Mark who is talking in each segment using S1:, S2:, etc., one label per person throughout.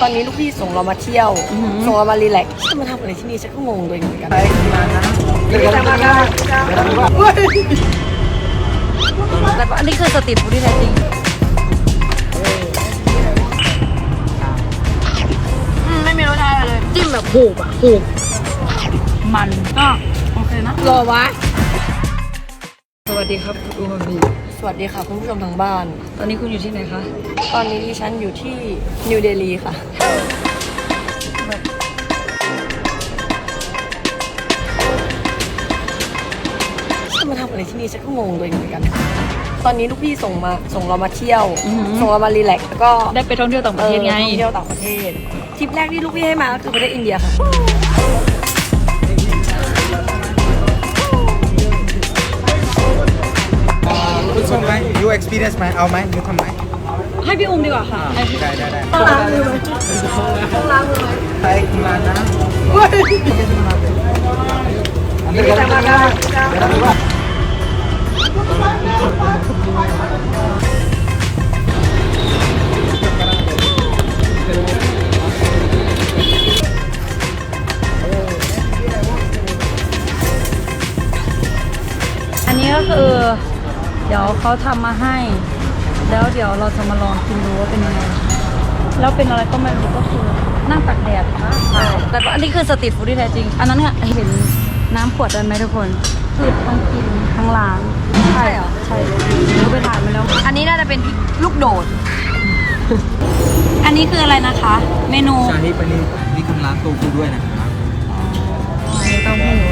S1: ตอนนี้ลูกพี่ส่งเรามาเที่ยวส่งเรามารีแลกซ์จะมาทำอะไรที่นี่ฉันก็งงตัวเองเหมือนกันแต่อันนี้คือสตรีทฟู้ดที่แท้จริงไม่มีรสชาติเลยจิ้มแบบหูบมันก็โอเคนะรอวะสวัสดีครับคุณอูบีสวัสดีค่ะคุณผู้ชมทางบ้านตอนนี้คุณอยู่ที่ไหนคะตอนนี้ดิฉันอยู่ที่นิวเดลีค่ะจะมาทำอะไรที่นี่ฉันก็งงตัวเองเหมือนกันตอนนี้ลูกพี่ส่งเรามาเที่ยวส่งเรามารีแลกซ์แล้วก็
S2: ได้ไปท่องเที่ยวต่างประเทศไง
S1: ท่องเที่ยวต่างประเทศทริปแรกที่ลูกพี่ให้มาก็คือประเทศอินเดียค่ะ
S3: คุณส่งไหม you experience ไหมเอาไหมยูทำไหม
S2: ให้พี่อุ้มดีกว่าค่ะ
S3: ได้
S1: ต้องล้างมือไหมต้องล้างมือไหม
S3: ไปคุณมานะ
S2: อันนี้ก็คือเดี๋ยวเขาทำมาให้แล้วเดี๋ยวเราจะมาลองกินดูว่าเป็นยังไงแล้วเป็นอะไรก็ไม่รู้ก็คือนั่งตากแดดค่ะแต่อันนี้คือสตรีทฟู้ดที่แท้จริงอันนั้นเนี่ยเห็นน้ำขวดนั้นไหมทุกคนคือทั้งกินทั้งล้าง
S1: ใช่เหรอ
S2: ใช่เราไปถ่ายมาแล้ว
S1: อันนี้น่าจะเป็นลูกโดด
S2: อันนี้คืออะไรนะคะเมนู
S3: ชาฮิปอันนี้นี่คุณร้านโตฟูด้วยนะครับ
S2: เต้าหู้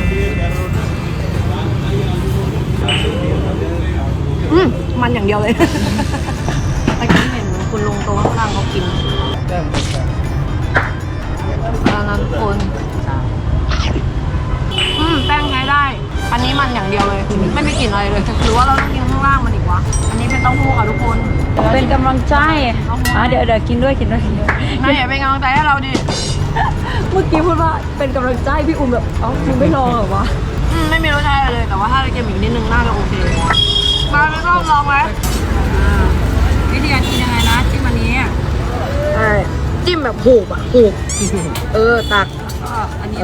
S1: มันอย่างเดียวเลยเมื่อกี้เห็นคุณลุงตัวข้างล่างเขากินนั้นคนแป้งใช้ได้อันนี้มันอย่างเดียวเลยไม่มีกลิ่นอะไรเลยหรือว่าเราต้องกินข้างล่างมันอีกวะอันนี้เป็นเต้าหู้ค่ะทุกคน
S2: เป็นกำลังใจเดี๋ยวกินด้วยกินด้วย
S1: นายอย่าเป็นกำลังใจให้เราดิ
S2: เมื่อกี้พูดว่าเป็นกำลังใจพี่อุ้มแบบคุณไม่ลองเหรอวะ
S1: ไม่มีรสชาติเลยแต่ว่าถ้าเรากินอีกนิดนึงน่าจะโอเคมาไม่ต้องลองไหม
S2: วิธีการกินยังไงนะจิ้มอันนี้
S1: จิ้มแบบหูบตัก
S2: อันนี้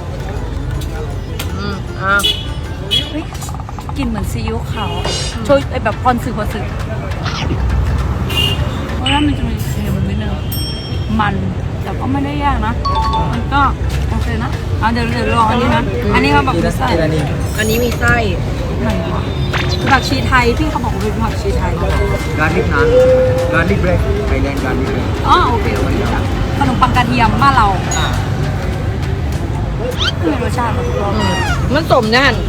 S2: กินเหมือนซีอิ๊วขาวช่วยแบบพรสึกเพราะว่ามันจะมีเค็มนิดนึงมันแต่ก็ไม่ได้ยากนะมันก็โอเคนะเดี๋ยวลองอันนี้นะอันนี้เขาบอกมีไส้
S1: อันนี้มีไส้
S2: ผักชีไทยที่เขาบอกว่าเป็นผักชีไทย
S3: การลิกนะการลิกเบรกไทยแลนด์การลิกเบรก
S2: โอเคขนมปังกระเทียมบ้านเราคือรสชาติ
S1: มันสมแน่น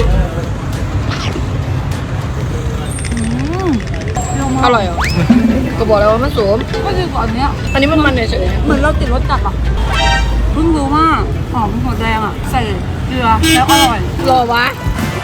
S1: อร่อยเหรอก็บอกแล้วว่ามันสม
S2: ก็คือก่อนเนี้ย
S1: อันนี้มันเฉย
S2: เหมือนเราติดรสจัดอ่ะเพิ่งรู้ว่าหอมหัวแดงอ่ะใส่เกลือแล้วอร่อย
S1: รอวะ